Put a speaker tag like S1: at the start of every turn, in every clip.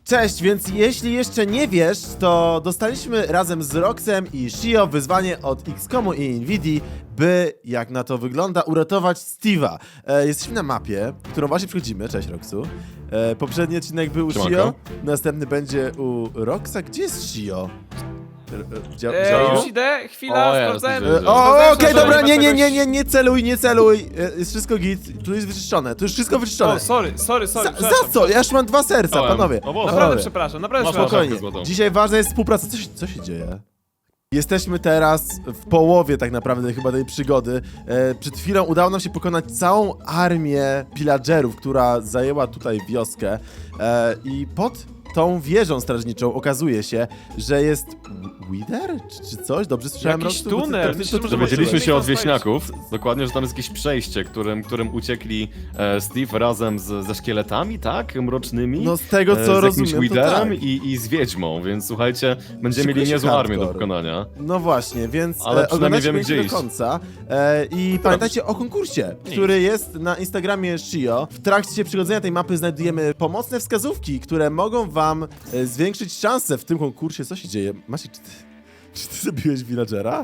S1: Cześć, więc jeśli jeszcze nie wiesz, to dostaliśmy razem z Roxem i Shio wyzwanie od XCOMu i Nvidii, by, jak na to wygląda, uratować Steve'a. Jesteśmy na mapie, którą właśnie przechodzimy. Cześć, Roxu. Poprzedni odcinek był u Shio, następny będzie u Roxa. Gdzie jest Shio?
S2: Już idę, chwila, sprawdzałem.
S1: Okej, dobra, nie celuj, nie celuj. Jest wszystko git, tu jest wyczyszczone, tu już wszystko wyczyszczone.
S2: O, sorry.
S1: Za co? Ja już mam 2 serca, panowie.
S2: Naprawdę przepraszam,
S1: Spokojnie. Dzisiaj ważna jest współpraca. Co się dzieje? Jesteśmy teraz w połowie tak naprawdę chyba tej przygody. Przed chwilą udało nam się pokonać całą armię pillagerów, która zajęła tutaj wioskę. I pod tą wieżą strażniczą okazuje się, że jest Wither? Czy coś? Dobrze słyszałem?
S2: Jakiś tunel.
S3: Dowiedzieliśmy się od wieśniaków, dokładnie, że tam jest jakieś przejście, którym uciekli Steve razem ze szkieletami, tak? Mrocznymi.
S1: No z tego co
S3: z jakimś
S1: rozumiem,
S3: Witherem
S1: tak.
S3: i z wiedźmą, więc słuchajcie, będziemy
S1: Szykuje
S3: mieli
S1: się
S3: niezłą armię do
S1: hardcore.
S3: pokonania.
S1: No właśnie, więc
S3: Ale przynajmniej
S1: oglądajcie
S3: wiemy,
S1: koniecznie
S3: gdzie
S1: do
S3: iść.
S1: końca. I pamiętajcie o konkursie, który jest na Instagramie Shio. W trakcie przygodzenia tej mapy znajdujemy pomocne wskazówki, które mogą wam zwiększyć szanse w tym konkursie. Co się dzieje? Maciek, czy ty zabiłeś villagera?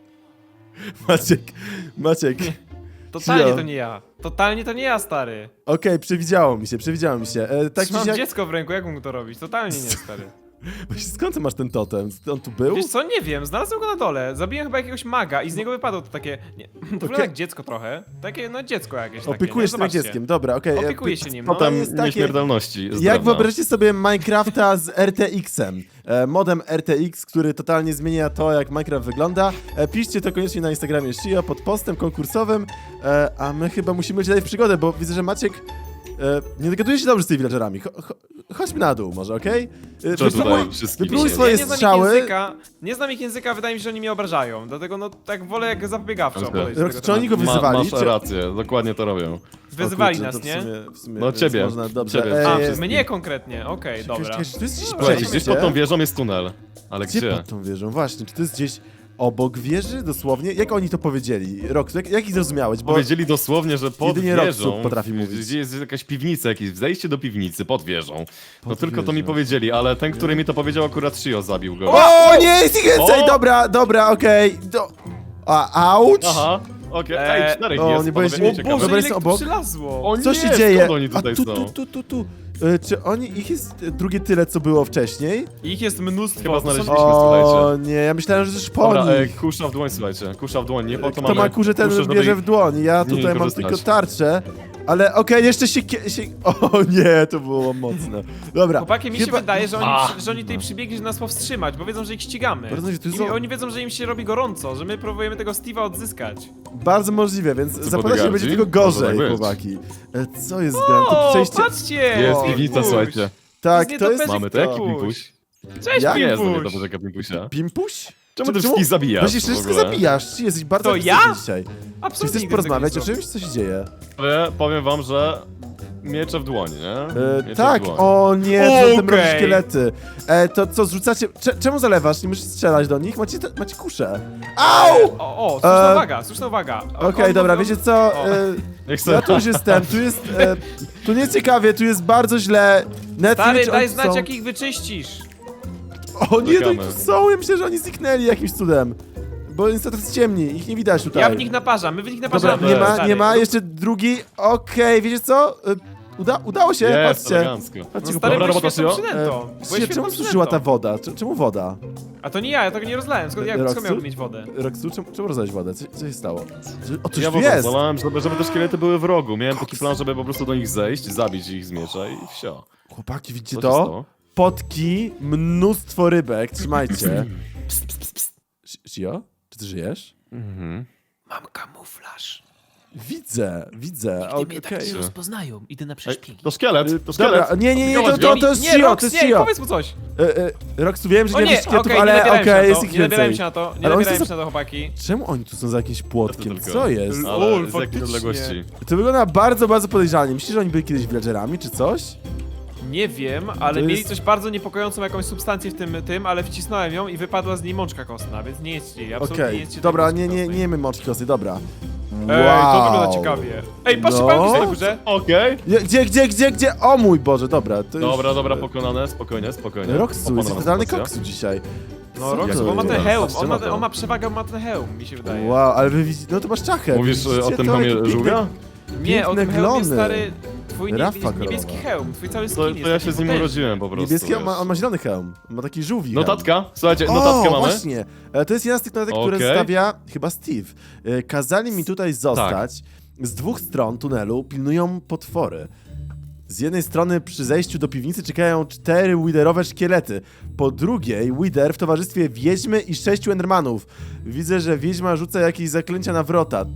S1: Maciek.
S2: Totalnie
S1: Shio.
S2: to nie ja. Totalnie to nie ja, stary.
S1: Okej, przewidziało mi się. Tak
S2: Mam
S1: jak...
S2: dziecko w ręku, jak mógł to robić? Totalnie nie, stary.
S1: Właśnie, skąd ty masz ten totem? On tu był?
S2: Wiesz co, nie wiem, znalazłem go na dole. Zabiłem chyba jakiegoś maga i z niego wypadło to takie... Nie, to wygląda jak dziecko trochę. Takie, no dziecko jakieś takie.
S1: Opiekujesz się tym
S2: Zobaczcie.
S1: dzieckiem, dobra, okej.
S2: Opiekuję się nim, no.
S3: Potem
S1: jest takie-
S3: nieśmiertelności. z
S1: Jak
S3: drewna.
S1: wyobraźcie sobie Minecrafta z RTX-em, modem RTX, który totalnie zmienia to, jak Minecraft wygląda. Piszcie to koniecznie na Instagramie Shio pod postem konkursowym, a my chyba musimy lecieć dalej w przygodę, bo widzę, że Maciek nie dogaduje się dobrze z tymi villagerami. Chodźmy na dół może, okej?
S3: Co tutaj wszystkim
S1: wypróbuj
S3: się-
S1: swoje
S2: Ja nie znam ich
S1: strzały.
S2: języka, nie znam ich języka, wydaje mi się, że oni mnie obrażają. Dlatego no tak wolę jak zapobiegawczo
S3: Okej.
S2: podejść do
S1: Rox,
S2: tego
S1: czy oni go
S2: tematu.
S1: wyzywali?
S3: Masz rację, dokładnie to robią.
S2: Wyzywali
S1: O kurczę,
S2: nas,
S1: to
S2: nie?
S1: w sumie
S3: No
S1: więc
S3: ciebie,
S1: Można, dobrze.
S3: ciebie.
S2: A,
S3: wszystkim.
S2: mnie konkretnie, okej, dobra.
S1: Czekaj, czy tu jest gdzieś
S2: Dobra,
S3: Gdzieś
S1: przejście?
S3: pod tą wieżą jest tunel. Ale
S1: Gdzie
S3: gdzie?
S1: pod tą wieżą? Właśnie, czy to jest gdzieś obok wieży dosłownie? Jak oni to powiedzieli? Rox, jak ich zrozumiałeś? Bo
S3: Powiedzieli dosłownie, że pod
S1: jedynie
S3: wieżą,
S1: Roxu potrafi mówić.
S3: gdzie jest jakaś piwnica, jakieś zejście do piwnicy, pod wieżą. No
S1: Pod
S3: tylko to mi
S1: wieżą.
S3: powiedzieli, ale ten, który mi to powiedział, akurat Shio zabił go.
S1: O, nie, jest ich więcej!
S3: O!
S1: Dobra, okej. Auć!
S3: Aha, okej, ej, 4
S1: o,
S3: jest,
S1: nie
S3: panowie,
S1: powiedzieć-
S3: nie
S1: O
S2: O
S3: ciekawe.
S1: Boże,
S2: Boże,
S1: jest
S2: ile
S1: obok.
S2: tu przylazło!
S3: O
S1: Co
S3: nie,
S1: się dzieje?
S3: skąd oni tutaj są?
S1: Tu. Czy ich jest drugie tyle, co było wcześniej?
S2: Ich jest mnóstwo.
S3: Chyba
S2: to są-
S3: znaleźliśmy.
S1: O
S3: słuchajcie.
S1: nie, ja myślałem, że to już po
S3: Dobra,
S1: nich.
S3: kusza w dłoń, słuchajcie, kusza w dłoń, nie po to
S1: Kto
S3: mamy...
S1: ma kurze, ten
S3: kuszę, żeby
S1: bierze
S3: ich-
S1: w dłoń. Ja
S3: nie
S1: tutaj mam
S3: korzystać.
S1: tylko tarczę. Ale okej, jeszcze się... O nie, to było mocne. Dobra.
S2: Chłopaki, mi się
S1: chyba-
S2: wydaje, że
S3: A.
S2: oni tutaj przybiegli, żeby nas powstrzymać, bo wiedzą, że ich ścigamy.
S1: Bardzo możliwe, tu
S2: I
S1: są-
S2: oni wiedzą, że im się robi gorąco, że my próbujemy tego Steve'a odzyskać.
S1: Bardzo możliwe, więc zapewne się
S3: bodyguardzi?
S1: będzie tylko
S3: Może
S1: gorzej,
S3: tak być.
S1: chłopaki. Co jest grane? To
S2: O,
S1: przejście...
S2: patrzcie!
S3: Jest
S1: O,
S3: piwnica,
S2: Pimpuś.
S3: słuchajcie.
S1: Tak,
S2: nie
S1: to jest...
S2: dopełni-
S3: Mamy to, jaki
S2: Pimpuś.
S3: pimpuś?
S2: Cześć,
S1: Ja?
S3: Nie jest to nie
S2: Pimpuś!
S3: to poczeka pimpusia.
S1: Pimpuś?
S3: Czemu ty wszystkich zabijasz
S1: Właśnie
S3: w
S1: wszystko
S3: ogóle?
S1: zabijasz. Ty jesteś bardzo
S2: To ja?
S1: agresywny dzisiaj. Czy
S2: Absolutnie
S1: chcesz
S2: nigdy
S1: porozmawiać
S2: tego
S1: o
S2: nie
S1: czymś? Co się dzieje?
S3: Ale powiem wam, że miecze w dłoni, nie? Miecze
S1: Tak,
S3: w dłoni.
S1: o nie, to te mroczne
S2: Okej.
S1: szkielety. To co, zrzucacie... Czemu zalewasz? Nie musisz strzelać do nich? Macie kuszę. Au!
S2: O, słuszna uwaga.
S1: Okej, dobra, wiecie co?
S2: O.
S3: Niech
S1: Ja
S3: sobie...
S1: tu już jestem, tu jest... tu nie ciekawie, tu jest bardzo źle.
S2: Stary,
S1: Netflix,
S2: daj
S1: oni
S2: znać,
S1: są...
S2: jak ich wyczyścisz.
S1: O nie, to
S3: Czekamy.
S1: tu są, ja myślę, że oni zniknęli jakimś cudem. Bo niestety jest ciemni, ich nie widać tutaj.
S2: Ja w nich naparzam, my w nich
S1: Dobra,
S2: naparzamy.
S1: nie ma,
S2: stary.
S1: nie ma, jeszcze drugi. Okej, wiecie co? Udało się,
S3: Jest,
S1: patrzcie.
S3: elegancko.
S2: No
S1: Patrzcie,
S2: stary,
S3: Dobra
S2: byłeś
S3: robota,
S2: świetną
S3: Shio.
S2: przynętą. Byłeś
S1: czemu
S2: świetną
S1: suszyła ta
S2: przynętą.
S1: woda? Czemu woda?
S2: A to nie ja tego nie rozlałem. Skąd
S1: Roxu?
S2: miałbym mieć wodę?
S1: Roxu, czemu rozlałeś wodę? Co się stało? O, coś
S3: Ja
S1: tu
S3: w ogóle
S1: jest!
S3: zalałem, żeby te szkielety były w rogu. Miałem taki plan, żeby po prostu do nich zejść, zabić ich z miecza i wsio.
S1: Chłopaki, widzicie
S3: Co się
S1: to?
S3: stało?
S1: Potki, mnóstwo rybek, trzymajcie. Shio? Czy ty żyjesz?
S3: Mhm.
S2: Mam kamuflaż.
S1: Widzę, okej.
S2: rozpoznają. Idę na
S3: Ej,
S2: przeszpiegi.
S3: to szkielet, to szkielet.
S1: Dobra, nie,
S3: Zobacz,
S1: to jest
S2: nie,
S1: Shio,
S2: Rox,
S1: to jest
S2: nie,
S1: Shio.
S2: powiedz mu coś.
S1: Roxu, wiem, że
S2: O
S1: nie
S2: nie,
S1: wiesz szkietów,
S2: okej, nie
S1: ale
S2: nabierałem się
S1: okej,
S2: na
S1: jest
S2: to,
S1: ich
S2: nie nabierałem
S1: więcej.
S2: się na to, nie
S1: Ale oni
S2: nabierałem
S1: są
S2: się na to, chłopaki.
S1: Czemu oni tu są za jakimś płotkiem?
S3: tylko.
S1: Co jest?
S2: L-
S3: Ale
S2: Lol,
S3: z jakiej
S2: faktycznie.
S3: odległości?
S1: To wygląda bardzo, bardzo podejrzanie. Myślisz, że oni byli kiedyś villagerami, czy coś?
S2: Nie wiem, ale
S1: To
S2: mieli
S1: jest-
S2: coś bardzo niepokojącą jakąś substancję w tym, ale wcisnąłem ją i wypadła z niej mączka kostna, więc nie jest ci, absolutnie nie
S1: Okej,
S2: jest ci
S1: dobra,
S2: tej mączki
S1: nie
S2: kostnej.
S1: jemy mączki kostnej, dobra.
S2: Ej, to wygląda ciekawie. Ej, patrzcie,
S1: No.
S2: pająk jest na górze.
S3: Okej.
S1: Gdzie? O mój Boże, dobra. To już...
S3: Dobra, pokonane, spokojnie.
S1: Roxu, jest
S3: Opanowana
S1: totalny
S3: sytuacja.
S1: koksu dzisiaj.
S2: No,
S1: Co
S2: Roxu,
S1: to
S2: bo ma ten
S1: jest?
S2: hełm.
S3: Patrzcie na to.
S2: On ma przewagę, ma ten hełm, mi się wydaje.
S1: Wow, ale wy widzicie, no to masz czachę.
S3: Mówisz
S1: Widzicie
S3: o tym
S1: to?
S3: hełmie
S1: Jaki piękny-
S3: żółwia?
S2: Nie, o tym
S1: piękne
S2: hełmie,
S1: glony.
S2: stary, twój
S1: Rafa
S2: niebieski
S1: kolorowa.
S2: hełm, twój cały skin
S3: To
S2: jest
S3: ja
S2: taki
S3: się z nim
S2: potężny.
S3: urodziłem po prostu.
S1: Niebieski,
S3: wiesz.
S1: on ma zielony hełm. Ma taki żółwi hełm.
S3: Notatka? Słuchajcie,
S1: O,
S3: notatkę mamy.
S1: właśnie. To jest jedna z tych notatek, które
S3: Okej.
S1: zostawia chyba Steve. Kazali mi tutaj zostać. Z dwóch stron tunelu pilnują potwory. Z jednej strony przy zejściu do piwnicy czekają 4 widerowe szkielety. Po drugiej wider w towarzystwie wiedźmy i 6 endermanów. Widzę, że wiedźma rzuca jakieś zaklęcia na wrota.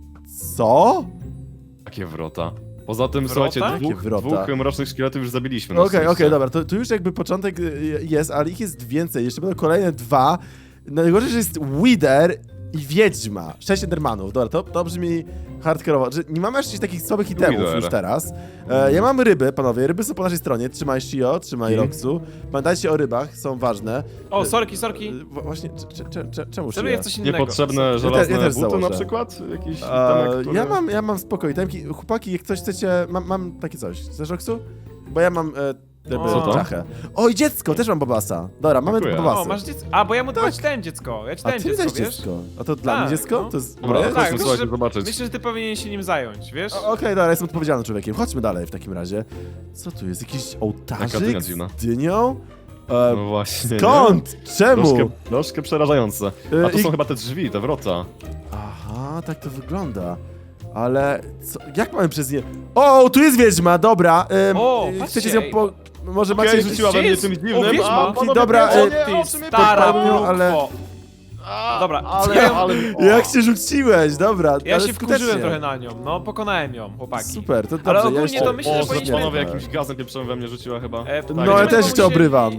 S1: Co?
S3: Takie wrota. Poza tym,
S2: Wrota?
S3: słuchajcie,
S1: Jakie wrota?
S3: dwóch mrocznych szkieletów już zabiliśmy. na
S1: Okej,
S3: szczęście.
S1: dobra, to już jakby początek jest, ale ich jest więcej. Jeszcze będą kolejne 2. Najgorzej, że jest Wither i Wiedźma. 6 Endermanów. Dobra, to brzmi hardkorowo. Że nie mamy jeszcze takich słabych itemów
S3: Wither.
S1: już teraz. Ja mam ryby, panowie. Ryby są po naszej stronie. Trzymaj Shio, trzymaj Roxu. Pamiętajcie o rybach, są ważne.
S2: O, sorki.
S1: Właśnie, czemu
S2: Celuję w
S1: Shio?
S2: coś innego.
S3: Niepotrzebne żelazne
S1: też
S3: buty na
S1: założę.
S3: przykład? Jakiś itemek, który...
S1: Ja mam spoko itemki. Chłopaki, jak coś chcecie, mam takie coś. Chcesz, Roxu? Bo ja mam
S2: Co to?
S1: czachę. O, i dziecko, też mam Bobasa. Dobra, mamy
S3: Dziękuję.
S1: Bobasy.
S2: O, masz dziecko. A, bo ja mu dałem dziecko. Ja ci
S1: A
S2: dałem
S1: ty mi
S2: dziecko,
S1: dałeś
S2: wiesz?
S1: dziecko. A to dla
S2: Tak,
S1: mnie dziecko?
S2: no.
S1: To jest
S3: Dobra,
S1: moje?
S3: chodźmy,
S2: myślę,
S3: słuchajcie,
S2: że-
S3: zobaczyć.
S2: Myślę, że ty powinien się nim zająć, wiesz?
S1: Okej, dobra, jestem odpowiedzialnym człowiekiem. Chodźmy dalej w takim razie. Co tu jest? Jakiś
S3: Taka
S1: ołtarzyk
S3: dynia dziwna.
S1: z dynią?
S3: No właśnie.
S1: Skąd? Czemu?
S3: Troszkę przerażające. A to
S1: i-
S3: są chyba te drzwi, te wrota.
S1: Aha, tak to wygląda. Ale co? Jak mamy przez nie... O, tu jest wiedźma, dobra.
S2: O,
S1: chcecie
S2: patrzcie,
S1: z nią
S2: ej.
S1: po... Może
S3: Okej,
S1: macie...
S3: rzuciła we mnie
S2: jest?
S3: czymś
S2: O,
S3: dziwnym,
S2: wiedźma.
S3: a
S2: Okej,
S3: panowie
S1: dobra,
S3: pierwsze,
S2: Ty
S3: o czym ja
S2: stara
S1: podpalił,
S2: plugwo.
S1: ale-
S2: Dobra,
S3: ale...
S1: Jak się rzuciłeś, dobra.
S2: ja
S1: ale
S2: się wkurzyłem
S1: skutecznie.
S2: trochę na nią, no pokonałem ją, chłopaki.
S1: Super, to dobrze.
S2: Ale
S1: ja
S2: ogólnie
S1: jeszcze...
S2: to myślę, że
S3: O,
S2: powinniśmy-
S3: panowie jakimś gazem pieprzowym we mnie rzuciła chyba.
S2: No,
S1: No, ja też jeszcze obrywam.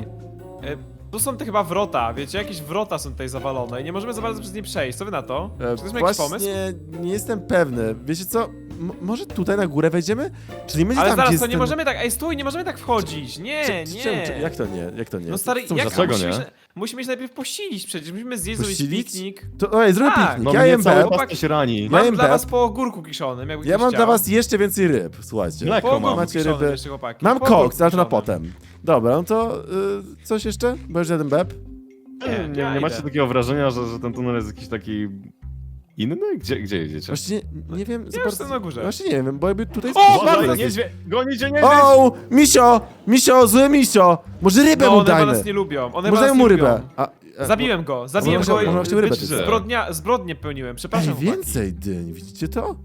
S2: Tu są te chyba wrota, wiecie, jakieś wrota są tutaj zawalone i nie możemy za bardzo przez nie przejść, co wy na to? Czy to jest jakiś pomysł?
S1: Właśnie nie jestem pewny. Wiecie co? Może tutaj na górę wejdziemy? Czy nie będzie
S2: Ale
S1: tam,
S2: zaraz,
S1: gdzie
S2: to
S1: jest
S2: nie
S1: ten...
S2: możemy tak, ej stój, nie możemy tak wchodzić, nie, nie.
S1: Jak to nie? Jak to nie?
S2: No stary,
S1: Co-
S2: jak
S3: dlaczego
S2: musimy
S3: nie?
S2: się- musimy się najpierw posilić przecież, musimy zjeść zrobić
S1: Posilić?
S2: piknik.
S1: To, oj, zrobię
S2: Tak.
S1: piknik.
S3: No
S1: Ja
S3: mnie
S1: jem
S3: cały
S1: beb.
S2: chłopak-
S3: pas się rani.
S1: Ja
S2: Mam
S1: jem
S2: dla
S1: beb.
S2: was po ogórku kiszonym, jakby
S1: Ja
S2: ktoś
S1: mam
S2: chciał.
S1: dla was jeszcze więcej ryb, słuchajcie.
S3: Mleko
S2: Po
S3: mam.
S2: ogórku
S1: Macie
S2: kiszonym
S1: ryby.
S2: jeszcze, chłopaki.
S1: Mam
S2: Po ogórku
S1: koks, ale to na
S2: kiszonym.
S1: potem. Dobra, no to coś jeszcze? Bo już jeden beb.
S3: Nie macie
S2: idę.
S3: takiego wrażenia, że ten tunel jest jakiś taki... inny? Gdzie jedziecie?
S1: Właściwie nie wiem za
S2: już
S1: bardzo...
S2: jestem na górze.
S1: Właśnie nie wiem, bo jakby tutaj...
S2: O,
S1: jest-
S2: bardzo
S3: Uważaj,
S2: niedźwiedź!
S3: Gonicie niedźwiedź!
S1: O, misio, zły misio! Może rybę
S2: No,
S1: mu
S2: one chyba
S1: dajmy.
S2: nas nie lubią, one
S1: Może
S2: chyba
S1: dajmy
S2: nas
S1: mu
S2: nie
S1: rybę.
S2: lubią. Zabiłem go
S1: może właśnie rybę
S2: i
S1: też.
S2: zbrodnie pełniłem,
S1: Ej,
S2: przepraszam chłopaki.
S1: więcej dyń, widzicie to?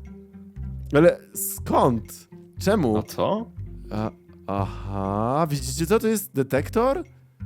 S1: Ale skąd? Czemu?
S3: A co?
S1: Aha, widzicie co? To jest detektor?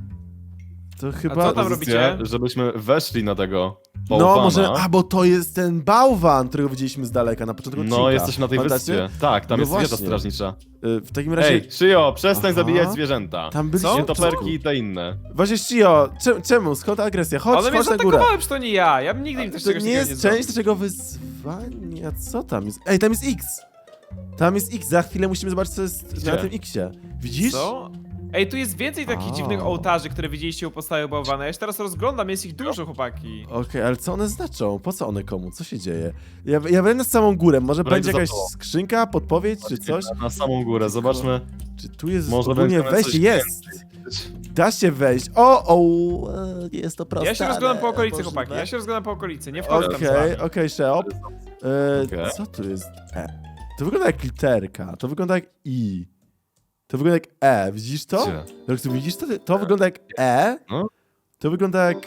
S1: To chyba...
S2: co tam robicie?
S3: Żebyśmy weszli na tego
S1: No,
S3: bałwana.
S1: może... A, bo to jest ten bałwan, którego widzieliśmy z daleka na początku odcinka.
S3: No, jesteśmy na tej
S1: Pamiętacie?
S3: wyspie. Tak, tam
S1: No
S3: jest wieża
S1: właśnie.
S3: strażnicza.
S1: W takim razie...
S3: Ej, Shio, przestań
S1: Aha.
S3: zabijać zwierzęta.
S1: Tam byliśmy...
S2: Co?
S3: Nietoperki i te inne.
S1: Właśnie, Shio, czemu? Skąd ta agresja?
S2: One mnie
S1: Chodź na górę.
S2: zaatakowały, czy to nie ja? Ja bym nigdy im też
S1: To
S2: czegoś
S1: nie
S2: takiego
S1: jest
S2: zrobił.
S1: część naszego wyzwania. Co tam jest? Ej, tam jest X! Tam jest X, za chwilę musimy zobaczyć, co jest
S3: Gdzie?
S1: na tym Xie. Widzisz?
S2: Co? Ej, tu jest więcej takich
S1: A.
S2: dziwnych ołtarzy, które widzieliście u podstawy bałwana. Ja się teraz rozglądam, jest ich dużo, chłopaki.
S1: Okej, ale co one znaczą? Po co one komu? Co się dzieje? Ja będę na samą górę. Może
S3: Dobra,
S1: będzie
S3: idę za
S1: jakaś
S3: tobą.
S1: skrzynka, podpowiedź czy coś?
S3: Na samą górę, zobaczmy.
S1: Czy tu jest
S3: Może
S1: ogólnie
S3: będziemy
S1: wejście?
S3: coś
S1: Jest! Da się wejść. O, nie jest to proste.
S2: Ja się rozglądam po
S1: ale
S2: okolicy,
S1: możliwe.
S2: chłopaki. Ja się rozglądam po okolicy, nie wchodzę tam z
S1: Okej,
S2: wami.
S1: okej, Sheop.
S3: Okej.
S1: Co tu jest? To wygląda jak literka, to wygląda jak I. To wygląda jak E, widzisz to?
S3: Gdzie?
S1: Roxu, widzisz to? To wygląda jak E.
S3: No.
S1: To wygląda jak...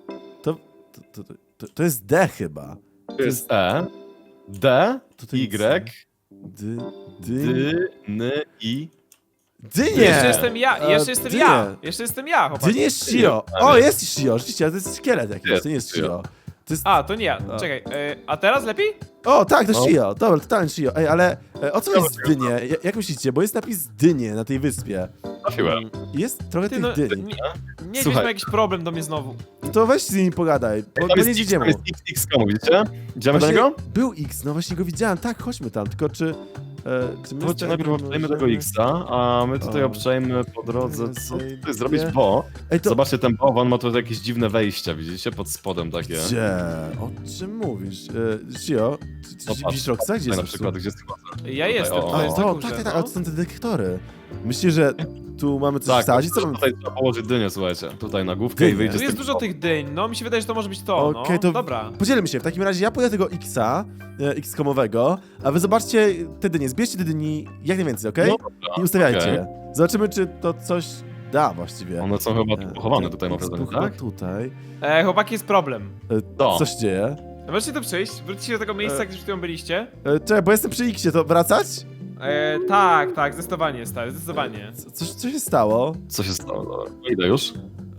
S1: To jest D chyba.
S3: To jest E, D,
S1: To to jest
S3: Y,
S1: D,
S3: D, N, I.
S1: Dynie!
S2: Jeszcze jestem ja, jeszcze jestem
S1: dynie.
S2: ja. Jeszcze jestem ja, chłopaki.
S1: Dynie jest Shio. O, jest Shio, rzeczywiście, ale to jest szkielet jakiś,
S3: Jest
S1: to nie jest
S3: Shio.
S1: Shio. To jest...
S2: A, to nie ja. Czekaj, a teraz lepiej?
S1: O, tak, to
S3: No.
S1: Shio. Dobra, totalnie Shio. Ej, ale o co jest w dynie? Jak myślicie? Bo jest napis dynie na tej wyspie.
S3: Trafiłem.
S1: Jest trochę
S2: Ty,
S1: tych
S2: no,
S1: dyń.
S2: nie
S3: Słuchaj.
S2: ma jakiś problem do mnie znowu.
S1: To weź z nimi pogadaj, bo
S3: Tam
S1: nie
S3: jest X,
S1: idziemy.
S3: tam jest X, komu, widzicie? Idziemy do
S1: Właśnie
S3: niego?
S1: był X, no właśnie go widziałem, tak, chodźmy tam, tylko czy... Czy my
S3: Chodźcie najpierw obczajmy tego
S1: możemy-
S3: X-a, a my tutaj
S1: O.
S3: obczajmy po drodze, co
S1: Zejdę.
S3: tutaj zrobić, bo...
S1: Ej, to...
S3: Zobaczcie, ten bałwan ma tutaj jakieś dziwne wejścia, widzicie? Pod spodem takie.
S1: Gdzie? O czym mówisz? Gio, czy
S3: Popatrz,
S1: widzisz Roxa? Gdzie
S3: Tutaj na
S1: jest
S3: przykład, gdzie schodzę.
S2: Ja jestem,
S3: o,
S2: to
S1: A,
S2: jest
S1: to,
S2: na
S1: tak,
S2: górze,
S1: tak, tak,
S2: no.
S1: ale to są te detektory. Myślisz, że tu mamy coś
S3: Tak,
S1: wsadzić? Co mamy...
S3: tutaj trzeba położyć dynię, słuchajcie. Tutaj na główkę i
S1: Dynię.
S3: wyjdzie
S2: Tu
S3: z
S2: jest
S3: tym
S2: dużo tych dyń, no mi się wydaje, że to może być to,
S1: Okej,
S2: no.
S1: to-
S2: Dobra.
S1: Podzielmy się, w takim razie ja pójdę tego X-a, X-komowego, a wy zobaczcie te dynie, zbierzcie te dyni jak najwięcej, okej?
S3: No dobra,
S1: I ustawiajcie
S3: okej.
S1: je. Zobaczymy, czy to coś da właściwie.
S3: One są chyba tu pochowane tutaj, mam wrażenie,
S1: chyba
S3: tak?
S1: tutaj.
S2: Chłopaki, jest problem.
S3: To.
S1: Co się dzieje?
S2: Możecie tu przyjść, wróćcie do tego miejsca, gdzie przed chwilą byliście.
S1: Czekaj, bo jestem przy X-ie, to wracać?
S2: Tak, zdecydowanie, stary, zdecydowanie.
S1: Co się stało?
S3: Co się stało? Dobra, idę już.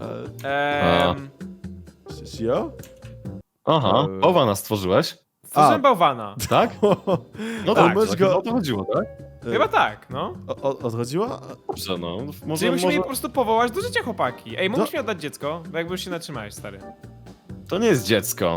S1: Sio?
S3: Aha, bałwana stworzyłeś,
S2: Stworzyłem bałwana.
S3: tak? No
S1: Tak,
S3: tak,
S1: możesz
S3: tak,
S1: go-
S3: o to chodziło, tak?
S2: Chyba tak, no.
S1: Odchodziło?
S3: Dobrze, no.
S2: Czyli
S3: Może,
S2: musimy je
S3: może...
S2: po prostu powołać do życia, chłopaki. Ej, mógłbyś mi oddać dziecko? Bo jakby już się natrzymałeś, stary.
S3: To nie jest dziecko.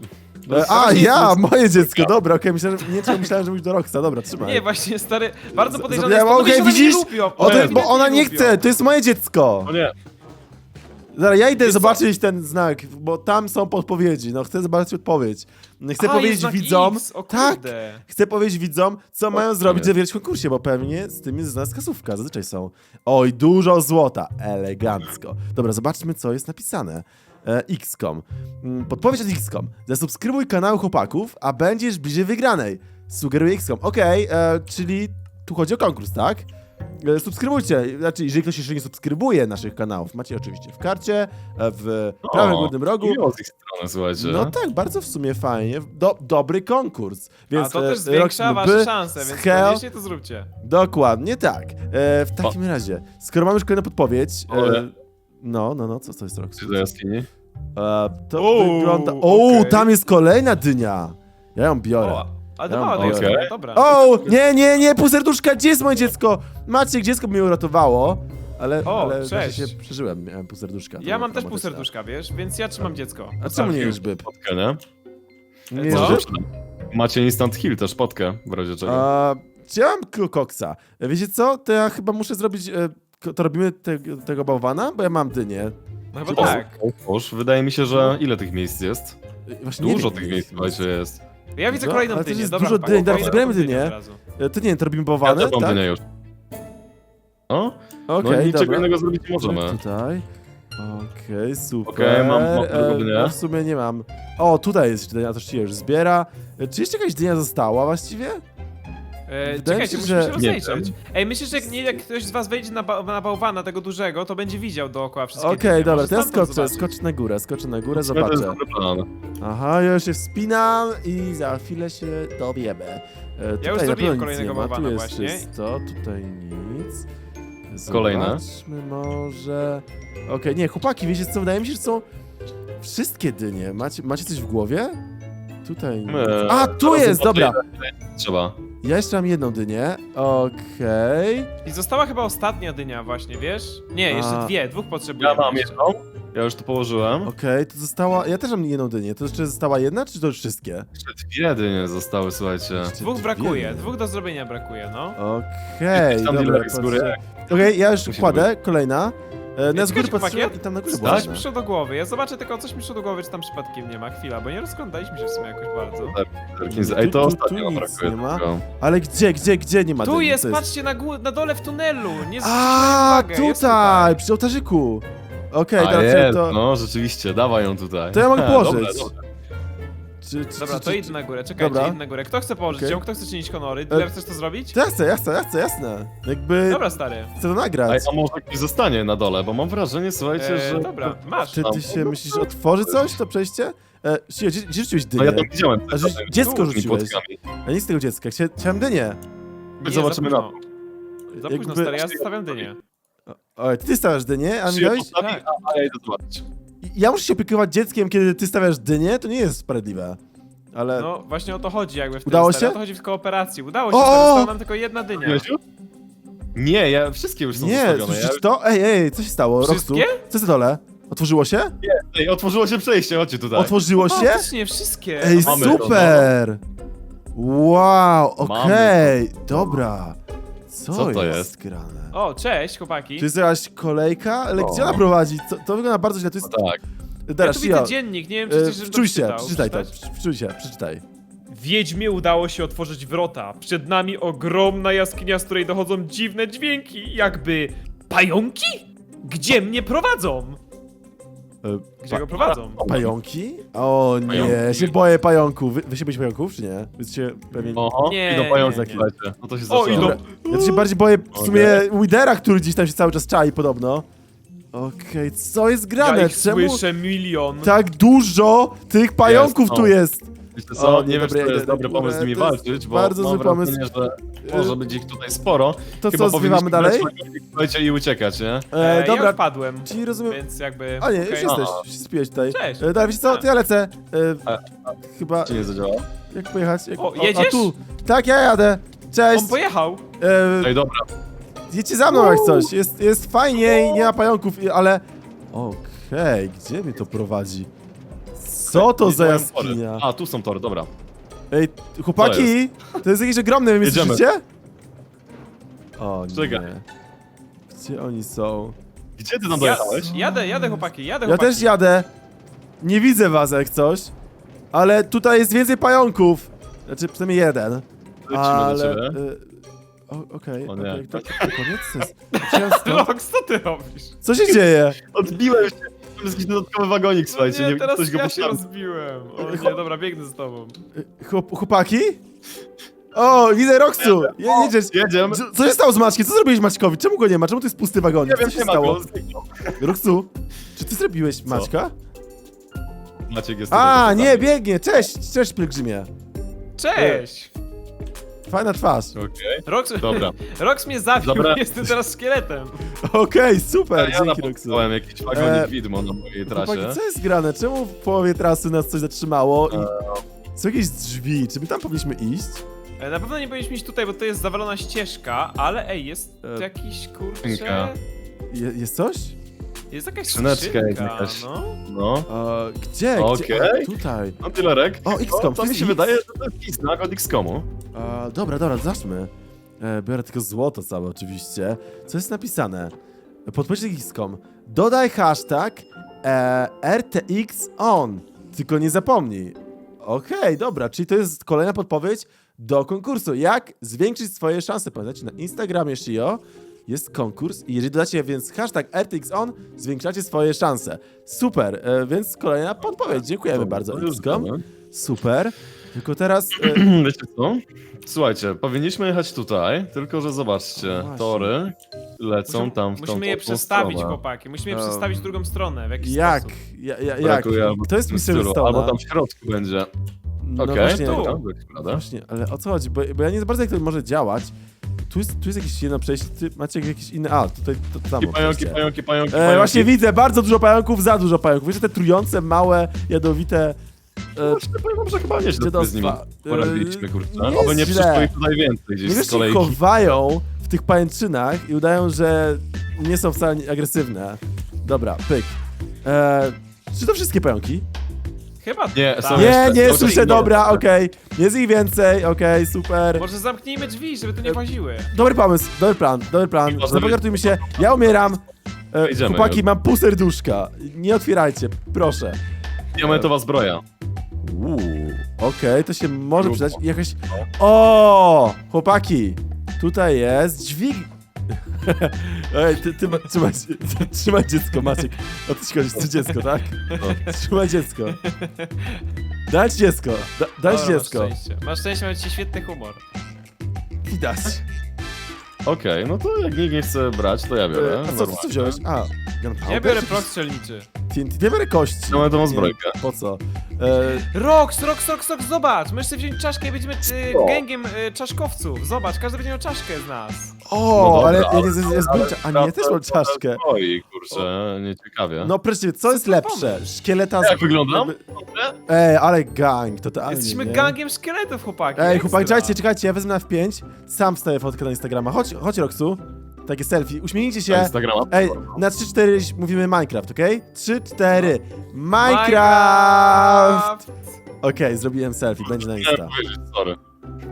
S1: Moje dziecko, dobra, okej, myślałem, że mówisz do Roxa, dobra, trzymaj.
S2: Nie, właśnie, stary, bardzo podejrzane
S1: Zapomniałem,
S2: jest to,
S1: okej,
S2: że ona
S1: widzisz?
S2: nie lubią.
S1: O, to,
S3: Nie,
S1: bo ona nie
S2: lubią.
S1: chce, to jest moje dziecko.
S3: O nie,
S1: Zaraz, ja idę
S2: Wiesz co?
S1: zobaczyć ten znak, bo tam są podpowiedzi, no chcę zobaczyć odpowiedź. Chcę
S2: Jest
S1: powiedzieć
S2: znak
S1: widzom,
S2: X, o
S1: tak,
S2: kurde.
S1: chcę powiedzieć widzom, co mają
S3: nie.
S1: zrobić, żeby wygrać w konkursie, bo pewnie z tym jest z nas kasówka, zazwyczaj są. Oj, dużo złota, elegancko. Dobra, zobaczmy, co jest napisane. XCOM. Podpowiedź od XCOM. Zasubskrybuj kanał chłopaków, a będziesz bliżej wygranej. Sugeruje XCOM. Okej, czyli tu chodzi o konkurs, tak? Subskrybujcie, znaczy jeżeli ktoś jeszcze nie subskrybuje naszych kanałów, macie oczywiście w karcie, w prawym górnym rogu.
S3: miło z ich strony, słuchajcie.
S1: No tak, bardzo w sumie fajnie. Dobry konkurs. Więc
S2: A to też
S1: Roxy
S2: zwiększa
S1: mógłby,
S2: wasze szanse, więc
S1: Skeo-
S2: koniecznie to zróbcie.
S1: Dokładnie tak. W takim razie, skoro mamy już kolejną podpowiedź.
S3: Ale-
S1: No, co jest Roxy?
S3: Czy do jaskini?
S1: To
S2: Uuu,
S1: wygląda.
S2: okej.
S1: Tam jest kolejna dynia. Ja ją biorę.
S2: O, ale
S1: Ja
S2: to mała
S1: mam-
S2: dynia,
S3: okej.
S2: dobra.
S1: O, nie, pół serduszka, gdzie jest moje dziecko? Maciek, dziecko mnie uratowało. Ale
S2: O,
S1: znaczy
S2: cześć.
S1: się przeżyłem, miałem pół serduszka.
S2: Ja
S1: to
S2: mam też
S1: była
S2: pół
S1: traumatyczna.
S2: serduszka, wiesz, więc ja trzymam dziecko.
S1: A czemu nie jesz byb?
S3: Potkę, nie?
S1: Nie
S2: Co?
S1: jesz byb?
S3: Macie instant heal też, potkę, w razie czego.
S1: Czy ja mam koksa? Wiecie co? To ja chyba muszę zrobić... To robimy tego bałwana? Bo ja mam dynię.
S2: No chyba tak.
S3: Już, wydaje mi się, że ile tych miejsc jest?
S1: Właśnie nie
S3: Dużo
S1: wiem,
S3: tych
S1: ile
S3: miejsc, słuchajcie, jest.
S2: Ja widzę
S1: No,
S2: kolejną
S1: ale też
S2: dynię,
S1: jest
S2: dobra.
S1: dużo
S2: chłopaki,
S1: dyń, dobra,
S2: idę po
S1: zbieramy
S2: tą dynię
S1: dynię.
S2: od razu.
S1: To nie, to robimy
S3: Ja
S1: bałwany,
S3: też mam
S1: tak?
S3: dynię już. O? No
S1: Okej,
S3: niczego
S1: dobra.
S3: innego zrobić nie możemy.
S1: Tutaj. Okej, super.
S3: Okej, mam drugą dynię.
S1: Ja w sumie nie mam. O, tutaj jest dynia, to się już zbiera. Czy jeszcze jakaś dynia została właściwie? Wydaje mi
S2: Czekajcie,
S1: się,
S2: musimy się
S1: że-
S2: rozejrzeć. Ej, myślisz, że jak ktoś z was wejdzie na bałwana tego dużego, to będzie widział dookoła wszystkie
S1: Okej,
S2: dynie.
S1: dobra,
S2: Może
S1: to ja
S2: stamtąd
S1: skoczę
S2: zobaczyć.
S1: na górę, skoczę na górę,
S3: To jest
S1: zobaczę.
S3: dobry plan.
S1: Aha, ja już się wspinam i za chwilę się dowiemy. Tutaj
S2: już
S1: na
S2: zrobiłem
S1: pewno nic
S2: kolejnego
S1: nie ma, tu
S2: bałwana
S1: jest
S2: właśnie.
S1: czysto, tutaj nic.
S3: Kolejne.
S1: Zobaczmy może... Okej, nie, chłopaki, wiecie co, wydaje mi się, że są wszystkie dynie. Macie coś w głowie? Tutaj nic. A, tu
S3: zaraz
S1: jest,
S3: zobaczę,
S1: dobra.
S3: Trzeba.
S1: Ja jeszcze mam jedną dynię, okej.
S2: I została chyba ostatnia dynia właśnie, wiesz? Nie, jeszcze
S1: A.
S2: dwóch potrzebujemy.
S3: Ja mam
S2: jeszcze.
S3: jedną. Ja już to położyłem.
S1: Okej, to została... Ja też mam jedną dynię, to jeszcze została jedna, czy to już wszystkie?
S3: Jeszcze dwie dynie zostały, słuchajcie.
S2: Dwóch brakuje, dwóch do zrobienia brakuje, no.
S1: Okej,
S3: Jakiś tam
S1: dobra,
S3: dealerek z góry.
S1: patrzę. Okej, ja już
S3: Musi
S1: kładę, kolejna. Na z góry
S2: czekajcie,
S1: patrzyłem
S2: chłopaki,
S1: i tam na górze
S3: Tak?
S1: była
S2: Coś
S1: jedna.
S2: mi przyszło do głowy. Ja zobaczę tylko, coś mi przyszło do głowy, czy tam przypadkiem nie ma. Chwila, bo nie rozglądaliśmy się w sumie jakoś bardzo.
S3: Ej, to
S1: Tu
S3: ostatnio
S1: nic
S3: brakuje
S1: nie ma.
S3: tylko.
S1: Ale gdzie nie ma
S2: Tu
S1: dyni?
S2: jest,
S1: Co
S2: patrzcie na dole w tunelu! Nie zwróciliśmy
S1: A,
S2: uwagę, jest
S1: tutaj, przy ołtarzyku. Okej,
S3: A
S1: teraz
S3: jest,
S1: to...
S3: no rzeczywiście, dawaj ją tutaj.
S1: To ja mogę
S3: Ha,
S1: położyć.
S3: dobra.
S2: Dobra, to idę na górę, czekajcie,
S1: Dobra.
S2: idę na górę. Kto chce położyć
S1: Okej.
S2: ją? Kto chce czynić honory? Ty chcesz to zrobić?
S1: To ja chcę, jasne. Jakby
S2: Dobra, stary.
S1: chcę to
S3: Ej,
S1: nagrać.
S3: a może ktoś zostanie na dole, bo mam wrażenie, słuchajcie, że...
S2: Dobra, masz.
S1: Ty się myślisz, że otworzy coś, to przejście? Sio, gdzie rzuciłeś dynię?
S3: No ja tam widziałem.
S1: A dziecko
S3: tymi
S1: rzuciłeś.
S3: płotkami.
S1: Ja nic z tego dziecka, chciałem dynię.
S2: Nie,
S3: Zobaczymy
S2: za
S3: na
S2: późno. Za późno,
S1: Jakby-
S2: stary, ja zostawiam dynię.
S1: Oj, ty stawiasz dynię, a mi
S3: Przyjął
S1: dałeś...
S3: postawi,
S2: Tak.
S3: a ja idę zobaczyć.
S1: Ja muszę się opiekować dzieckiem, kiedy ty stawiasz dynię? To nie jest sprawiedliwe. Ale...
S2: No, właśnie o to chodzi jakby w tym,
S1: Udało
S2: stary.
S1: się?
S2: O to chodzi w kooperacji. Udało się,
S1: O!
S2: stary, została nam tylko jedna dynia.
S3: Miesiu? Nie, ja wszystkie już są
S1: Nie,
S3: zostawione.
S1: słyszysz to? Ej, co się stało? Roxu?
S2: Wszystkie?
S1: Co jest na dole? Otworzyło się?
S3: Ej, otworzyło się przejście, chodźcie tutaj.
S1: Otworzyło się?
S2: Faktycznie, wszystkie.
S1: Ej,
S3: Mamy to, no.
S1: super! Wow,
S3: Mamy
S1: okej, dobra.
S3: Co to jest?
S1: grane?
S2: O, cześć, chłopaki.
S1: To jest jakaś kolejka? Ale
S3: O.
S1: gdzie ona prowadzi? To wygląda bardzo źle. To jest...
S3: Tak.
S2: Ja
S1: Teraz,
S2: tu widzę
S1: Shio,
S2: dziennik, nie wiem, czy coś, żebym to
S1: wczuj się,
S2: przeczytał.
S1: przeczytaj to.
S2: Przeczytać?
S1: Wczuj się, przeczytaj.
S2: Wiedźmie udało się otworzyć wrota. Przed nami ogromna jaskinia, z której dochodzą dziwne dźwięki, jakby pająki? Gdzie mnie prowadzą? Gdzie go prowadzą?
S1: Pająki? O nie,
S3: Pająki.
S1: ja się boję pająków. Wy się boicie pająków, czy nie? Wy się pewnie...
S3: Oho,
S2: Nie,
S3: idą pająki,
S2: nie, nie.
S3: słuchajcie. No to się
S2: O,
S3: zaczęło.
S2: idą.
S1: Dobra, ja to się bardziej boję w sumie Widera, który gdzieś tam się cały czas czai podobno. Okej, co jest grane?
S2: Ja ich
S1: Czemu
S2: słyszę milion.
S1: tak dużo tych pająków
S3: Jest, no.
S1: tu jest?
S3: Wiecie co,
S1: O,
S3: nie wiem,
S1: dobra,
S3: czy to
S1: idę
S3: jest
S1: na
S3: dobry
S1: górę,
S3: pomysł z nimi
S1: to jest
S3: walczyć, bo
S1: bardzo
S3: mam
S1: zły pomysł.
S3: wrażenie, że może być ich tutaj sporo.
S1: To
S3: Chyba
S1: co, zwiewamy
S3: powinniśmy
S1: dalej?
S3: brać flagonik, słuchajcie, i uciekać, nie?
S2: Ja
S1: Dobra,
S2: już padłem,
S1: czyli rozumiem...
S2: więc jakby...
S1: A nie, już
S2: okej.
S1: jesteś,
S3: A.
S1: się spiłeś tutaj.
S2: Cześć.
S1: Dobra, wiecie co, to ja lecę.
S3: A-
S1: Chyba,
S3: Czy nie zadziała?
S1: jak pojechać? Jak...
S2: O,
S1: A
S2: jedziesz?
S1: tu. Tak, ja jadę. Cześć.
S2: On pojechał.
S3: Ej, dobra.
S1: Jedźcie za mną jak coś. Jest fajnie i nie ma pająków, ale... Okej, gdzie mnie to prowadzi? Co to za
S3: Mają tory.
S1: jaskinia?
S3: A, tu są tory, dobra.
S1: Ej, chłopaki, to jest jakieś ogromne, wy mnie
S3: Jedziemy.
S1: słyszycie? O
S3: Czekaj.
S1: nie. Gdzie oni są?
S3: Gdzie ty tam dojechałeś?
S2: Jadę chłopaki, jadę
S1: Ja
S2: chłopaki.
S1: też jadę. Nie widzę was jak coś. Ale tutaj jest więcej pająków. Znaczy przynajmniej jeden.
S3: Lecimy
S1: Ale...
S3: do ciebie.
S1: Okej,
S3: O nie.
S1: okej, to koniec? To jest- Chciałem stąd-
S2: Rox, co ty robisz?
S1: Co się dzieje?
S3: Odbiłem się. To jest jakiś dodatkowy wagonik, słuchajcie.
S2: No nie,
S3: Nie,
S2: teraz
S3: ktoś go
S2: ja się
S3: postawił.
S2: rozbiłem. O nie, dobra, biegnę z tobą.
S1: Chłopaki? O, widzę Roxu! Jedziesz.
S3: Jedziemy.
S1: Co się stało z Maćkiem? Co zrobiłeś Maćkowi? Czemu go nie ma? Czemu to jest pusty wagonik?
S3: Nie wiem,
S1: Co się
S3: nie ma
S1: stało?
S3: go.
S1: Roxu, czy ty zrobiłeś Maćka?
S3: Maciek jest
S1: A,
S3: tutaj,
S1: nie, biegnie. Cześć, cześć pielgrzymie.
S2: Cześć!
S1: Fajna twarz.
S3: Okej,
S2: Rox,
S3: dobra.
S2: Rox mnie zabił,
S3: Dobra.
S2: jestem teraz szkieletem.
S1: Okej, super,
S3: Ja
S1: dzięki Roxu.
S3: napotkałem jakiś wagonik widmo na mojej
S1: Chłopaki,
S3: trasie.
S1: co jest grane? Czemu w połowie trasy nas coś zatrzymało? Są jakieś drzwi, czy my tam powinniśmy iść?
S2: Na pewno nie powinniśmy iść tutaj, bo to jest zawalona ścieżka, ale ej, jest jakiś kurczę...
S3: skrzynka.
S1: Jest coś?
S2: Jest jakaś
S3: Skrzyneczka
S2: skrzynka,
S3: jakaś.
S2: no.
S3: No.
S1: Gdzie? Gdzie?
S3: Okej.
S1: A, tutaj.
S3: No tylerek.
S1: O, XCOM,
S3: To
S1: to
S3: mi
S1: jest
S3: się
S1: X.
S3: wydaje, że to jest jakiś znak od XCOMu.
S1: Dobra, zacznijmy. Biorę tylko złoto całe oczywiście. Co jest napisane? Podpowiedź XCOM. Dodaj hashtag RTX on. Tylko nie zapomnij. Okej, dobra, czyli to jest kolejna podpowiedź do konkursu. Jak zwiększyć swoje szanse? Pamiętajcie, na Instagramie Shio jest konkurs i jeżeli dodacie więc hashtag RTX on, zwiększacie swoje szanse. Super, więc kolejna podpowiedź. Dziękujemy bardzo
S3: To już
S1: XCOM.
S3: wiemy.
S1: Super. Tylko teraz...
S3: Wiecie co? Słuchajcie, powinniśmy jechać tutaj, tylko że zobaczcie,
S1: No właśnie.
S3: tory lecą tam w tą
S2: Musimy je
S3: tą
S2: przestawić,
S3: stronę.
S2: chłopaki. Musimy je przestawić w drugą stronę, w jakiś
S1: Jak?
S2: sposób.
S1: Jak?
S3: Brakuje albo
S1: To jest
S3: w tym
S1: Mr.
S3: stylu,
S1: Stone'a.
S3: albo tam w środku będzie.
S1: No
S3: Okej,
S1: właśnie,
S2: tu.
S3: dobra, prawda?
S1: właśnie, ale o co chodzi? Bo ja nie za bardzo jak to może działać. Tu jest jakieś jedno przejście, ty macie jakieś inne... A, tutaj to samo
S3: Pająki,
S1: przejście.
S3: pająki.
S1: Właśnie widzę, bardzo dużo pająków, za dużo pająków. Wiecie, te trujące, małe, jadowite...
S3: Właśnie powiem wam, że chyba nieźle sobie z nimi
S1: dziadostwa.
S3: poradziliśmy, kurczę.
S1: nie
S3: Oby nie
S1: jest źle.
S3: przyszło ich tutaj więcej gdzieś
S1: Nie wiesz,
S3: z
S1: się
S3: kolejki.
S1: chowają w tych pajęczynach i udają, że nie są wcale agresywne. Dobra, pyk. Czy to wszystkie pająki?
S2: Chyba
S3: Nie,
S2: tak.
S3: są
S1: Nie,
S3: jeszcze,
S1: nie,
S3: są
S1: słyszę,
S3: jeszcze.
S1: dobra, okej. Jest ich więcej, okej, super.
S2: Może zamknijmy drzwi, żeby tu nie łaziły.
S1: Dobry pomysł, dobry plan.
S3: Może
S1: Zapogartujmy się. Ja umieram.
S3: Idziemy
S1: Chłopaki,
S3: już.
S1: mam pół serduszka. Nie otwierajcie, proszę.
S3: Diamentowa zbroja.
S1: Okej, to się może
S3: Grubo.
S1: przydać. Jakaś... O! Chłopaki, tutaj jest dźwig... Ej, trzymaj dziecko, Maciek. O to ci chodzi, to dziecko, tak? Trzymaj dziecko. Dać dziecko, dać
S2: O,
S1: dziecko.
S2: Masz szczęście, macie świetny humor.
S1: Widać.
S3: Okej, no to jak nikt nie chce brać, to ja biorę.
S1: A co
S3: normalnie.
S1: wziąłeś? A, gunpowder?
S2: Ja biorę prok strzelniczy.
S1: TNT, ja biorę kości.
S3: Diamentową
S1: Nie,
S3: zbrojkę.
S1: Po co?
S2: Rox, zobacz! Możesz sobie wziąć czaszkę i będziemy
S3: Co?
S2: gęgiem czaszkowców. Zobacz, każdy będzie miał czaszkę z nas.
S1: O,
S3: No
S1: ale
S3: dobra,
S1: ja nie zbyłem A nie, ja też mam czaszkę.
S3: Oj, kurczę, nieciekawie.
S1: No proszę, co jest lepsze? Szkieleta z...
S3: Jak wyglądam?
S1: Ej, ale gang, totalnie,
S2: Jesteśmy
S1: nie?
S2: gangiem szkieletów, chłopaki.
S1: Ej,
S2: ekstra.
S1: chłopaki, czekajcie, ja wezmę na F5, sam wstaję fotkę na Instagrama. Chodź, Roxu. Takie selfie, uśmiechnijcie
S3: Na
S1: się.
S3: Instagrama?
S1: Ej, na 3-4 mówimy Minecraft, okej? 3-4. Minecraft! Okej, zrobiłem selfie, będzie na Insta.
S3: Chciałem powiedzieć, sorry.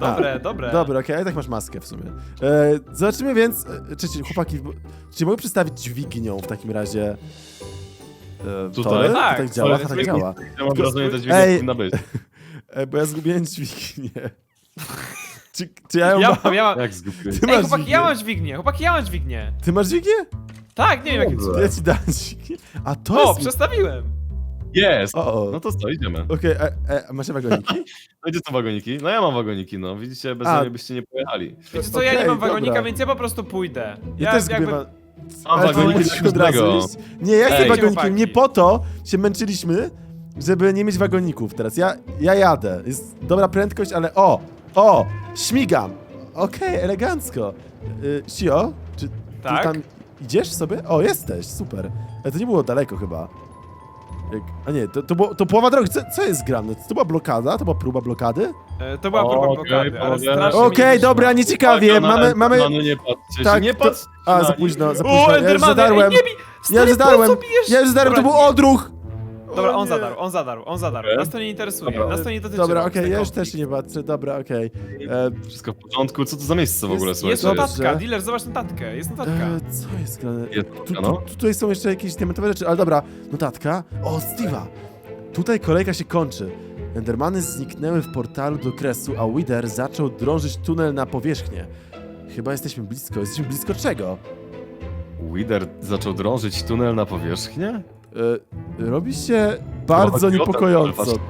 S2: dobre.
S1: Dobra, okej, ale tak masz maskę w sumie. Zobaczymy więc, chłopaki, czy mogę przedstawić dźwignią w takim razie?
S3: Tutaj?
S1: tory?
S2: Tak,
S1: Tak działa,
S3: ale
S1: tak działa.
S3: Ja mam wrażenie, że
S1: Ej.
S3: dźwignia powinna być.
S1: Bo ja zgubiłem dźwignię. Czy ja ją
S2: Ja
S1: mam?
S2: mam, ja mam.
S3: Jak zgubiłem?
S1: Ty
S2: Ej,
S1: masz
S2: chłopaki,
S1: dźwignię.
S2: ja mam dźwignię.
S1: Ty masz dźwignię?
S2: Tak, nie wiem jakie
S3: Dobrze.
S2: cudem.
S1: Ja ci dam dźwignię. A to
S2: O,
S1: jest...
S2: przestawiłem.
S3: Jest!
S1: O.
S3: No to co, idziemy.
S1: Okej, a masz wagoniki?
S3: No gdzie są wagoniki? No ja mam wagoniki, no. Widzicie, bez mnie byście nie pojechali.
S2: Wiecie co, ja nie
S1: Okej,
S2: mam wagonika,
S1: dobra.
S2: więc ja po prostu pójdę.
S1: Ja też
S2: jakby-
S1: zgubiłem...
S3: Mam
S1: Ale
S3: wagoniki
S1: musisz
S3: do
S1: od razu
S3: każdego.
S1: iść. Nie, ja chcę
S3: Ej.
S1: wagonikiem.
S2: Chłopaki.
S1: Nie po to się męczyliśmy, żeby nie mieć wagoników teraz. Ja jadę. Jest dobra prędkość, ale o, śmigam. Okej, elegancko. Sio, czy ty
S2: Tak?
S1: tam idziesz sobie? O, jesteś, super. Ale to nie było daleko chyba. A nie, to połowa drogi. Co jest grane? To była blokada? To była próba blokady?
S2: To była próba
S3: Okej,
S2: blokady, ale
S3: panowie.
S2: strasznie
S1: Okej,
S2: mi wyszło.
S1: dobra, nieciekawie. Mamy...
S3: No nie patrzcie
S1: Tak,
S3: się, nie
S1: to-
S3: patrzcie
S1: A,
S3: na
S1: za
S3: nich.
S1: późno, za
S2: O,
S1: późno. Ja już
S2: Endermany,
S1: zadarłem.
S2: ej, nie bij!
S1: Ja
S2: Stary,
S1: już zadarłem.
S2: po co bijesz?
S1: Ja już zadarłem, to
S2: Dobra,
S1: był
S2: nie.
S1: odruch.
S2: Dobra,
S1: O
S2: on
S1: nie.
S2: zadarł. Nas to nie interesuje,
S3: Dobra.
S2: nas to nie dotyczy.
S1: Dobra,
S2: nas
S1: okej,
S2: ten
S1: ja już
S2: konflikt.
S1: też nie patrzę, dobra, okej.
S3: Wszystko w porządku, co to za miejsce w ogóle,
S1: Jest-
S3: słuchajcie?
S2: Jest
S1: Dobrze.
S2: notatka, dealer, zobacz notatkę, jest notatka.
S1: Co jest grane?
S3: Jest notatka, no.
S1: Tutaj są jeszcze jakieś diamentowe rzeczy, ale dobra, notatka. O, Steve'a. Tutaj kolejka się kończy. Endermany zniknęły w portalu do kresu, a Wither zaczął drążyć tunel na powierzchnię. Chyba jesteśmy blisko. Jesteśmy blisko czego?
S3: Wither zaczął drążyć tunel na powierzchnię?
S1: Robi się bardzo
S3: chodzi o ten
S1: niepokojąco.
S3: tunel,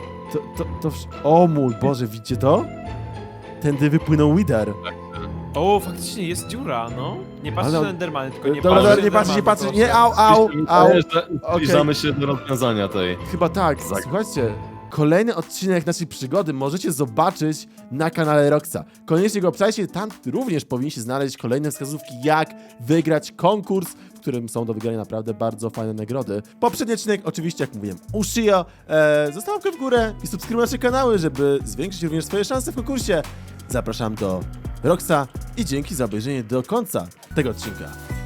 S1: O mój Boże, widzicie to? Tędy wypłynął Wither.
S2: O, faktycznie jest dziura, no. Nie patrzcie
S1: Ale-
S2: na Endermany, tylko nie
S1: Dobra,
S2: patrzcie
S1: nie
S2: na
S1: patrzcie, nie patrzcie.
S2: Endermany,
S1: Nie, au.
S3: Wydaje, że
S1: Okej.
S3: zbliżamy się do rozwiązania tej.
S1: Chyba tak.
S3: Zag-
S1: Słuchajcie, kolejny odcinek naszej przygody możecie zobaczyć na kanale Roxa. Koniecznie go obczajcie, tam również powinniście znaleźć kolejne wskazówki, jak wygrać konkurs, w którym są do wygrania naprawdę bardzo fajne nagrody. Poprzedni odcinek, oczywiście, jak mówiłem, ushio. Zostaw łapkę w górę i subskrybuj nasze kanały, żeby zwiększyć również swoje szanse w konkursie. Zapraszam do Roxa i dzięki za obejrzenie do końca tego odcinka.